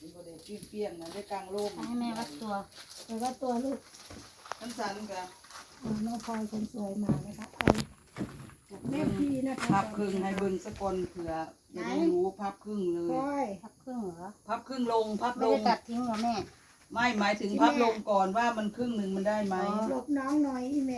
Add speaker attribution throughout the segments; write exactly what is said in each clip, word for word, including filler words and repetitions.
Speaker 1: บ่ได้เปรี้ยงๆนะได้กลางร่ม
Speaker 2: ให้แม่วัดตัว
Speaker 3: ไปว่าตัวลูก
Speaker 1: ทั้งสันกับ
Speaker 3: น้องพลอยคนสวยมานะคะเอาแม่พี่นะคะ
Speaker 1: พับครึ่งให้เบิ่งสะกอนเผื่อจะได้รู้พับครึ่งเล
Speaker 3: พล
Speaker 1: ย
Speaker 3: อย
Speaker 2: พับครึ่งเหรอ
Speaker 1: พับครึ่งลงพับ
Speaker 2: ไม่
Speaker 1: ล
Speaker 2: ได้
Speaker 1: ง
Speaker 2: ตัดทิ้งเหรอแม่
Speaker 1: ไม่หมายถึงพับลงก่อนว่ามันครึ่งหนึ่งมันได้ไหม
Speaker 3: หลบน้องหน่อยอีแม่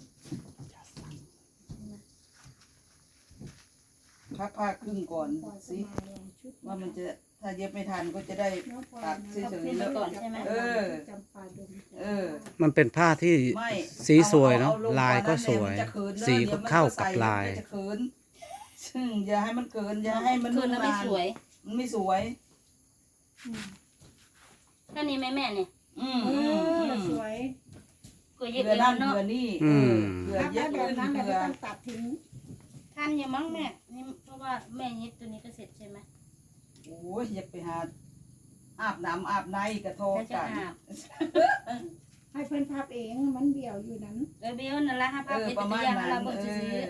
Speaker 1: พับผ้าครึ่งก่อน
Speaker 3: พลอย
Speaker 1: สิ
Speaker 3: มาลองชุด
Speaker 1: ว่ามันจะถ้าเย็บไม่ทันก็จะได้
Speaker 3: น้องพลอย
Speaker 1: ตัด
Speaker 3: นะ
Speaker 1: เฉยๆแล้ว
Speaker 2: ก่อนใช่ไหม
Speaker 1: เออ
Speaker 3: จำปาดง
Speaker 1: เออ
Speaker 4: มันเป็นผ้าที่
Speaker 1: ไม่
Speaker 4: สีสวยเนาะ
Speaker 1: ออ
Speaker 4: ลายก็สวย
Speaker 1: เอลงกานั้นเนี่ยมันจะเขิน
Speaker 4: สีก็เข้ากับลาย
Speaker 1: เดี๋วมันจะเขินซึ่งอย่าให้มันเกินอย่าให้มัน
Speaker 2: คืนแล้วไม่
Speaker 1: นาน
Speaker 2: สวย
Speaker 1: มันไม่สวย
Speaker 3: อืม
Speaker 2: แค่นี้ไหมแม่เนี่ย
Speaker 1: อืม
Speaker 3: เอ
Speaker 1: อืมอื
Speaker 3: อ
Speaker 1: ม
Speaker 3: สวย
Speaker 2: ก็เย็
Speaker 1: เผื่
Speaker 2: บ
Speaker 1: อ
Speaker 2: เอ
Speaker 1: นั่
Speaker 2: ง
Speaker 1: น
Speaker 2: เนาะ
Speaker 1: เผื่อนี่
Speaker 4: อืม
Speaker 1: เผื่อ
Speaker 3: ถ้า
Speaker 1: เย็บ
Speaker 3: แบ
Speaker 1: ขึ้
Speaker 3: บ
Speaker 1: น
Speaker 3: นั้นเรา
Speaker 1: เผื่อ
Speaker 3: ต้องตัดทิ้ง
Speaker 2: ทันอยู่มั้งแม่นี่เพราะว่าแม่เย็บตัวนี้ก็เสร็จใช่ไหม
Speaker 1: โอ้ยอยากไปหาอาบน้ำอาบในกระโทก
Speaker 2: แล้วจะ
Speaker 1: กัน
Speaker 2: อาบ
Speaker 3: ให้เพื่อนพับเองมันเบี่ยวอยู่นั้น
Speaker 2: เออเบลนั่นแหละฮะ
Speaker 1: เอ
Speaker 2: ภาพ
Speaker 1: อ
Speaker 2: เป็น
Speaker 1: ประ
Speaker 2: ตัว
Speaker 1: มาณ
Speaker 2: อย่าง
Speaker 1: นั้
Speaker 2: เรา
Speaker 1: น
Speaker 2: เบิ่ง
Speaker 1: เอ
Speaker 2: ซื้อ
Speaker 1: อ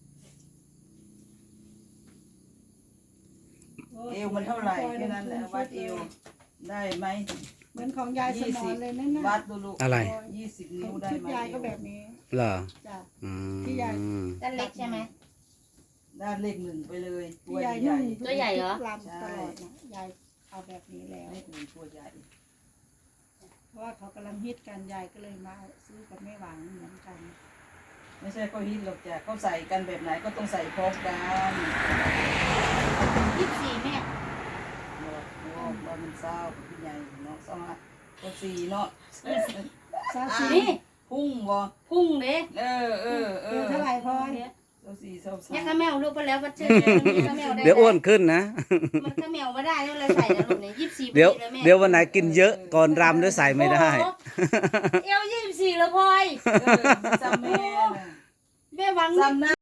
Speaker 1: เอวมันเท่าไหร่แค่นั้นแหละวัดเอวได้ไหม
Speaker 3: เหมือนของยายสมอนเลยนั่นน่ะ
Speaker 1: วัดดูลูก
Speaker 4: อะไร
Speaker 1: ยี่สิบนิ้วได้
Speaker 3: ชุด
Speaker 1: ไหม
Speaker 3: ยายก็แบบนี้
Speaker 4: เหรอ
Speaker 3: จ้ะ
Speaker 4: อื
Speaker 3: ที่ใหญ่
Speaker 4: ม
Speaker 2: ด้านเล็กใช่ไหม
Speaker 1: ด้านเลขหนึ่งไปเลยตั
Speaker 3: ที่
Speaker 1: วย
Speaker 3: าย
Speaker 1: ให
Speaker 3: นุ่
Speaker 1: ญ่
Speaker 3: ง
Speaker 2: ตัวใหญ่เหรอ
Speaker 3: ทุกลำตลอดนะยายเอาแบบนี้แล้ว
Speaker 1: เลขหนึ่งตัวใหญ่
Speaker 3: เพราะว่าเขากำลังฮิตกันยายก็เลยมาซื้อกับแม่หวังเหมือนกัน
Speaker 1: ไม่ใช่เขาฮิตหรอกจ้ะเขาใส่กันแบบไหนก็ต้องใส่พร้อมกัน
Speaker 2: ยี่สิบสี่แม่
Speaker 1: เนาะโอ้บ้านมันเศร้าพี่ใหญ่เนาะสองอ่ะก็สี่เนาะ
Speaker 3: ซาซี
Speaker 2: นี่
Speaker 1: พุ่งบ่
Speaker 2: พุ่งเด้
Speaker 1: เออเออเอ
Speaker 3: เดี๋ย
Speaker 1: อ
Speaker 3: วเท่าไหร่พลอย
Speaker 1: เจ้าสี่เจ้าสา
Speaker 2: เนี่ย
Speaker 1: ม
Speaker 2: ข้าแมวลูกไปแล้ววัดเชื่อข้าแมวได้
Speaker 4: เดี๋ยวอ้วนขึ้นนะ
Speaker 2: มันข้าแมวไม่ได้แล้วเลยใส่แล้วลูกเนี่ยยี่สิบสี่
Speaker 4: เดี๋ยว
Speaker 2: แม่
Speaker 4: เดี๋ยววันไหนกินเยอะก่อนรำด้วยใส่ไม่ได้
Speaker 2: เอวยี่สิบสี่แล้วพลอย
Speaker 1: เออจำแม่น่ะ
Speaker 2: แม่หวัง
Speaker 1: จำหน้า